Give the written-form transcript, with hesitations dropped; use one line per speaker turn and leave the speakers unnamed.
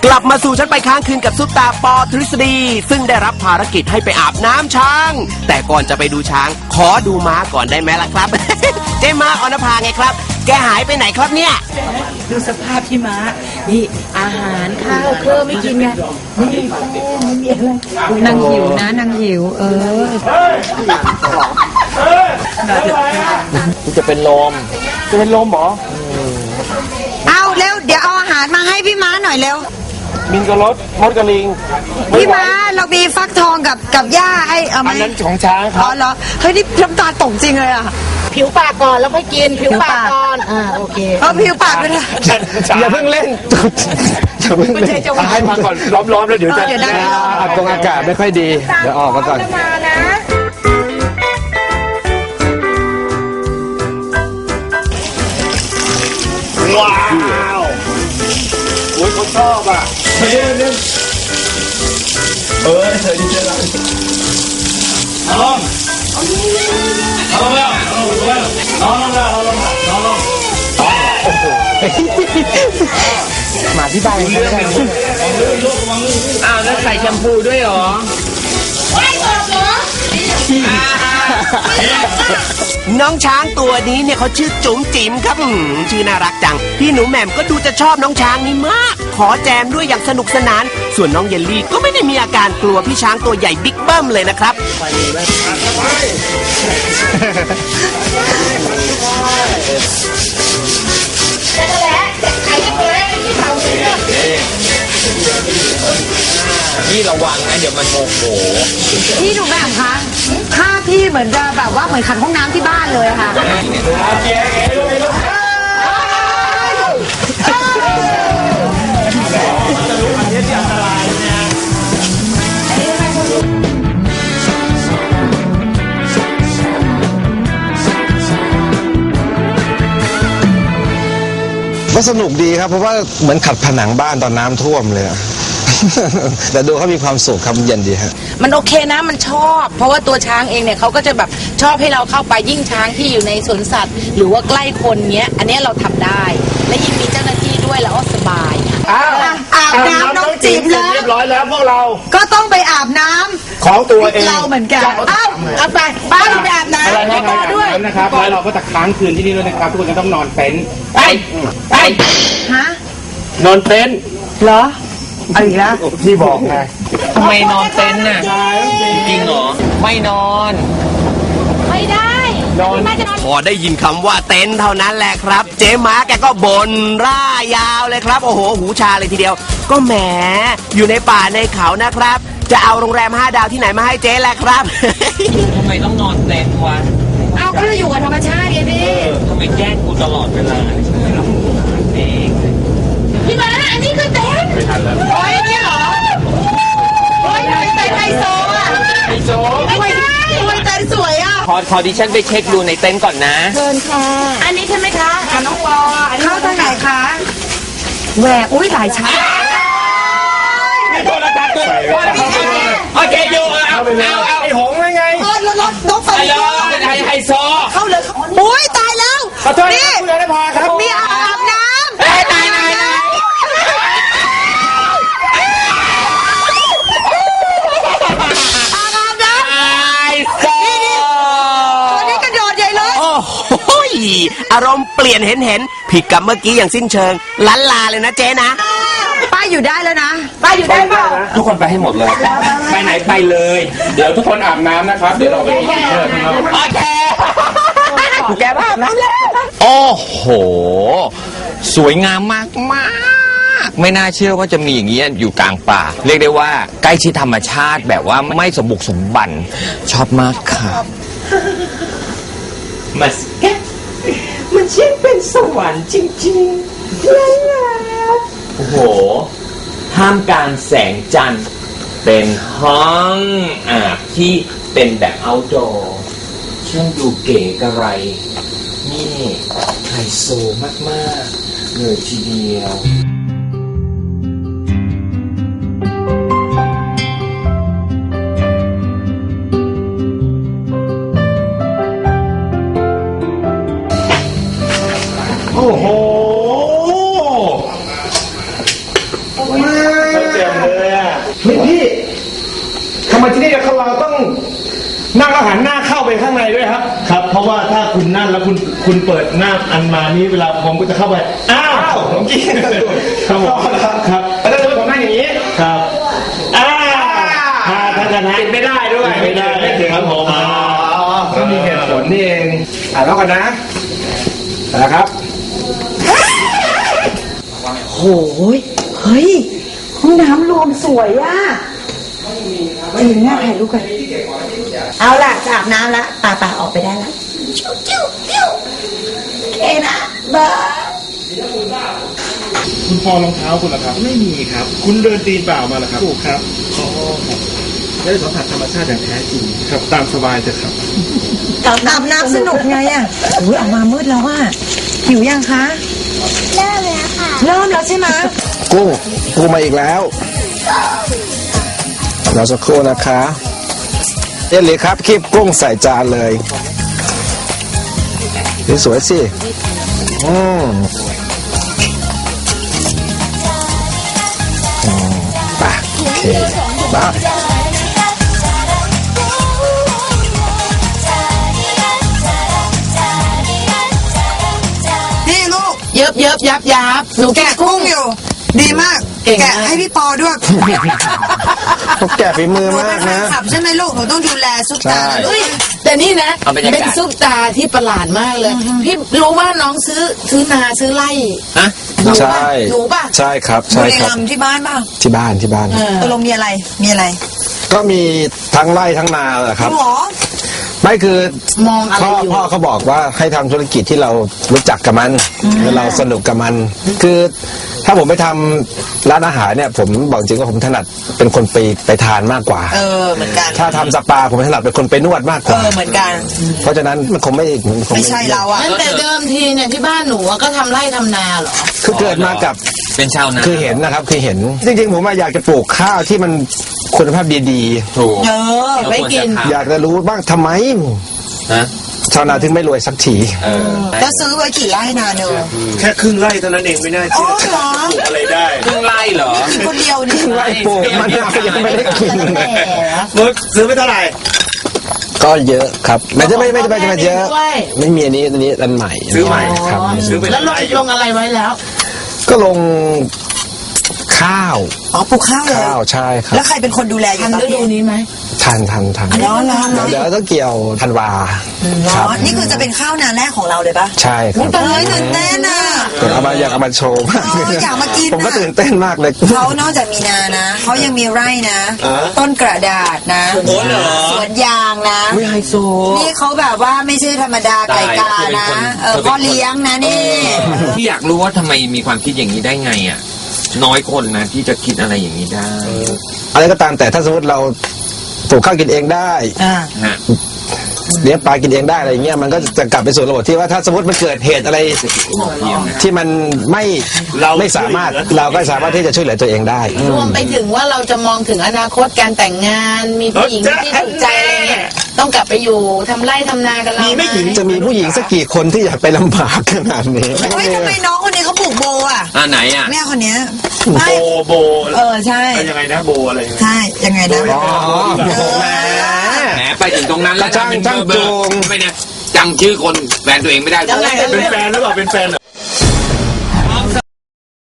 กลับมาสู่ฉันไปค้างคืนกับซุปตาปอทฤษฎีซึ่งได้รับภารกิจให้ไปอาบน้ำช้าง แต่ก่อนจะไปดูช้างขอดูม้าก่อนได้ไหมล่ะครับ เจ๊ม้าออนภาไงครับแกหายไปไหนครับเนี่ย
ดูสภาพพี่ม้านี่อาหารข้าวเครื่องไม่กินไงไม่มีแป้งไม่มีอะไรนางหิวนะนางหิว
จะเป็นลมเหรอ
เอาเร็วเดี๋ยวเอาอาหารมาให้พี่ม้าหน่อยเร็ว
มิงกะรดมดกระลิง
พี่ม้าเรามีฟักทองกับหญ้าให้เอาไหม
อันนั้นของช้างครับ
อ๋อเหรอเฮ้ยนี่น้ำตาตกจริงเลยอ่ะ
ผิวปากก่อนแล้วค่อยกินผิวปากก่อนโอเค
ผิวปากด้วยนะ
อย่าเพิ่งเล่นให้มาก่อนล้อมแล้วเดี๋ยวจะตรงอากาศไม่ค่อยดีเดี๋ยวออกมาก่อนว้าวโอ้ยเขาชอบอ่ะเฮ้ยเธอดีเจละลงแล้วน้องโอ้โหมาที่บ้านเรื่องเป็นอ้าวแล้วใส่แชมพูด้วยเหรอ
ไม่บอกเหรอน้องช้างตัวนี้เนี่ยเขาชื่อจุ๋มจิ๋มครับชื่อน่ารักจังพี่หนูแหม่มก็ดูจะชอบน้องช้างนี้มากขอแจมด้วยอย่างสนุกสนานส่วนน้องเยลลี่ก็ไม่ได้มีอาการกลัวพี่ช้างตัวใหญ่บิ๊กเบิ้มเลยนะครับ
นี่ระวังนะเดี๋ยวมันโมโห
พี่หนูแหม่มคะถ้าพี่เหมือนจะแบบว่าเหมือนขันห้องน้ำที่บ้านเลยค่ะ
ก็สนุกดีครับเพราะว่าเหมือนขัดผนังบ้านตอนน้ำท่วมเลยแต่ดูเขามีความสุขครับเย็นดีฮะ
มันโอเคนะมันชอบเพราะว่าตัวช้างเองเนี่ยเขาก็จะแบบชอบให้เราเข้าไปยิ่งช้างที่อยู่ในสวนสัตว์หรือว่าใกล้คนเงี้ยอันนี้เราทำได้และยิ่งมีเจ้าหน้าที่ด้วยแล้วก็สบาย
อาบน้ำน้องจิ๋มแล้ว
เรียบร้อยแล้วพวกเรา
ก็ต้องไปอาบน้ำ
ของตัวเอง
เราเหมือนกันเอาไปอาบน้ำ
ด้วยนะครับแล้วเราก็จะค้างคืนที่นี่ด้วยนะครับทุกคนจะต้องนอนเต็นท์ไป
ฮะ
นอนเต็นท์
เหรอเอาอีกแล้ว
พี่บอกไงทำไมนอนเต็นท์น่ะจริงเหรอไม่นอน
ไม่ได้
พอได้ยินคำว่าเต็นท์เท่านั้นแหละครับเจ๊ม้าแกก็บ่นร่ายาวเลยครับโอ้โหหูชาเลยทีเดียวก็แหมอยู่ในป่าในเขานะครับจะเอาโรงแรม5 ดาวที่ไหนมาให้เจ๊แหละครับ
ทำไมต้องนอนเต็นท์วะ
เอาก็อยู่กับธรรมชาติไงพี่
ทำไมแกล้งกูตลอดเวลา
พี่ม้าอันนี้คือเต็นท์
ไม่ทันแล้ว
โอ้ยนี่เหรอโอ้ยเต็นท์ไฮโซอ่ะ
ไฮโซ
ไม่ใช่เต็นท์สวยอ่ะ
ขอดิฉันไปเช็คดูในเต็นท์ก่อนนะ
เชิญค่ะอันนี้ใช่ไหมคะน้องปอ
เข้าทางไหนคะแหวกอุ้ยหลายชั้น
ไม่โทรศัพท์ด้วยโอเคอยู่เอาไอ้หงไง
รถไฟ
เป็นไฮโซ
เข้าเลยอุ้ยตายแล้ว
นี่คุณนภาครับ
มีอาบน้ำ
ตาย
อารมณ์เปลี่ยนเห็นผิดกับเมื่อกี้อย่างสิ้นเชิงลันลาเลยนะเจ๊นะ
ป้าอยู่ได้แล้วนะป้าอยู่ได้เปล่า
ทุกคนไปให้หมดเลยไปไหนไปเลยเดี๋ยวทุกคนอาบน้ำนะครับเดี๋ยวเราไปกินเชิญนะครับโอเค
แกอาบน้ำแล้ว
โอ้โหสวยงามมากไม่น่าเชื่อว่าจะมีอย่างนี้อยู่กลางป่าเรียกได้ว่าใกล้ชิดธรรมชาติแบบว่าไม่สมบุกสมบันชอบมากค่ะมันช่างเป็นสวรรค์จริงๆโอ้โหท่ามกลางแสงจันทร์เป็นห้องอาบที่เป็นแบบ outdoor ช่างดูเก๋กระไรนี่ไฮโซมากๆเลยทีเดียว
โอ้โหมาเลยอ่ะพี่ทำไมที่นี่เราต้องนั่งแล้วหันหน้าเข้าไปข้างในด้วยครับ
ครับ เพราะว่าถ้าคุณนั่นแล้วคุณเปิดหน้าอันมานี้เวลาผมก็จะเข้าไป
อ้าวผมกิน
ครับผมครับ
แล้วถ้าผมนั่งอย่างนี้
ครับถ้าชนะ
ปิดไม่ได้ด้วย
ไม่ได้
ไม่ถึง
ครับผม
ก็มีเหตุผลนี่เองแล้วกันนะนะครับ
โอ้ยเฮ้ย ห้องน้ำรวมสวยอ่ะจริงน่าถ่ายรูปกัน เอาล่ะจะอาบน้ำละป่าออกไปได้ละจิ้วโอเคนะบาย
คุณพอรองเท้าคุณเหรอครับ ไม่มีครับ คุณเดินตีนเปล่ามาเหรอครับถูกครับอ๋อครับได้สัมผัสธรรมชาติอย่างแท้จริงครับตามสบายเถอะครับ
อาบน้ำสนุกไงอ่ะอุ้ยออกมามืดแล้วว่าหิวยังคะ
เริ่มแล้วค่ะ
เริ่มแล้วใช่ไหม
กุ้งมาอีกแล้วเราสักครู่นะคะเอลิครับคีบกุ้งใส่จานเลยนี่สวยสิไปโอเคไป
นี่ลูก
เยิบยับหนูแกะ
แกะกุ้งอยู่ ดีมาก
เก่งมาก
แกะให้พี่ปอด้วย
พวกแกฝีมือ
หนู
มา
เป็
ก
นแฟน
นะ
คลับใช่ไหมลูก หนูต้องดูแลซุปตา
ใช่
ด้ว
เฮ้
ย
ยแต่นี่นะ
เอาบรรยากาศ
เป็นซุปตาที่ประหลาดมากเลย พี่รู้ว่าน้องซื้อนาซื้อไร่
ฮะ
หนู
ใช่
ป่ะหนูป่ะ
ใช่ครับ
ดู
ใช่
ใน
ครับ
ลำที่บ้านป่ะ
ที่บ้าน
ตกลงมีอะไร มีอะไร
ก็มีทั้งไร่ทั้งนาแหละครับ
หรอ
ไม่คือ
มองอะไรอยู่
พ่อเขาบอกว่าให้ทำธุรกิจที่เรารู้จักกับมันแล้วเราสนุกกับมัน คือถ้าผมไปทำร้านอาหารเนี่ย ผมบอกจริงว่าผมถนัดเป็นคนไปทานมากกว่า
เหมือนกัน
ถ้าทำสปาผมถนัดเป็นคนไปนวดมากกว่า
เหมือนกัน
เพราะฉะนั้นมันคงไม่
ไม่ใช่เราอะ
นั่นแต่เดิมทีเนี่ยที่บ้านหนูอะก็ทำไร่ทำนาเหรอ
คือเกิดมากับ
เป็นชาวนา
คือเห็นนะครับคือเห็น จริงๆผมอยากจะปลูกข้าวที่มันคุณภาพดี
ถูก
ไว้กิน
ๆ อยากจะรู้บ้างทำไม
ฮะ
ชาวนาถึงไม่รวยสักที
แล้วซื้อไว้กี่ไร่นาเนอะ
แค่ครึ่งไร่เท่านั้นเองไม่น่า
อ๋อ
เชื่อ
เหรอ
ปลูกอะไรได้
ครึ่งไร่เหรอ
กินคนเดียวนี่
ไร่ปลูกมันาวยังไม่ได้กินเลย
มึกซื้อไปเท่าไหร่
ก็เยอะครับไม่จะไม่เยอะ
ด้วย
ไม่มีอันนี้อันใหม่
ซื้อใหม่
ครับ
ซื้อไป
แล้วลงอะไรไว้แล้ว
ก็ลงข้าว
อ๋อ ปลูกข้าวเลย
ข้าวใช่ครับ
แล้วใครเป็นคนดูแลอยู่
ทัน
ตอน
ฤดู
นี้
นี้ไหม
ทัน
ร้อนร้อน
เดี๋ยวต้องเกี่ยวธันวาครับ
นี่คือจะเป็นข้าวนาแรกของเราเลยปะ
ใช่ครับ
เฮ้ยตื่นเต้นอ่ะ
อยากเอามาโชว์มาก
อยากมากิน
ผมก็
อะ
ตื่นเต้นมากเลย
เขานอกจากมีนานะ เขายังมีไร่นะ ต้นกระดาษนะ สวนยางนะ
ไม่ไฮโซ
นี่เขาแบบว่าไม่ใช่ธรรมดาไก่กานะพ่อเลี้ยงนะนี่
ที่อยากรู้ว่าทำไมมีความคิดอย่างนี้ได้ไงอ่ะ น้อยคนนะที่จะคิดอะไรอย่างนี้ได้
อะไรก็ตามแต่ถ้าสมมติเราปลูกข้าวกินเองได้
ฮะ
เลี้ยงปลากินเองได้อะไรเงี้ยมันก็จะกลับไปสู่ระบบที่ว่าถ้าสมมติมันเกิดเหตุอะไรที่มันไม่สามารถเราก็สามารถที่จะช่วยเหลือตัวเองได้
รวมไปถึงว่าเราจะมองถึงอนาคตการแต่งงาน มีผู้หญิงที่ถูกใจอะไรเงี้ยต้องกลับไปอยู่ทำไร่ทำนากันเราไหม
จะมีผู้หญิงสักกี่คนที่อยากไปลำบากขนาดนี้
เฮ้ยทำไมน้องคนนี้เขาปลูกโบอ่ะ
ไหนอ่ะ
แม่คนเนี้ย
โบ
ใช่
ยังไงนะโบอะไรยังไง
ใช่ ยังไงนะ
อ๋อ
แหมไปถึงตรงนั้นแล้ว
จ้าง
เป็น
จ้าง
เบอร์
จูง
ไม่เนี่ยจำชื่อคนแฟนตัวเองไม่ได้
จำได้
เป็นแฟนหรือเปล่าเป็นแฟนเหรอ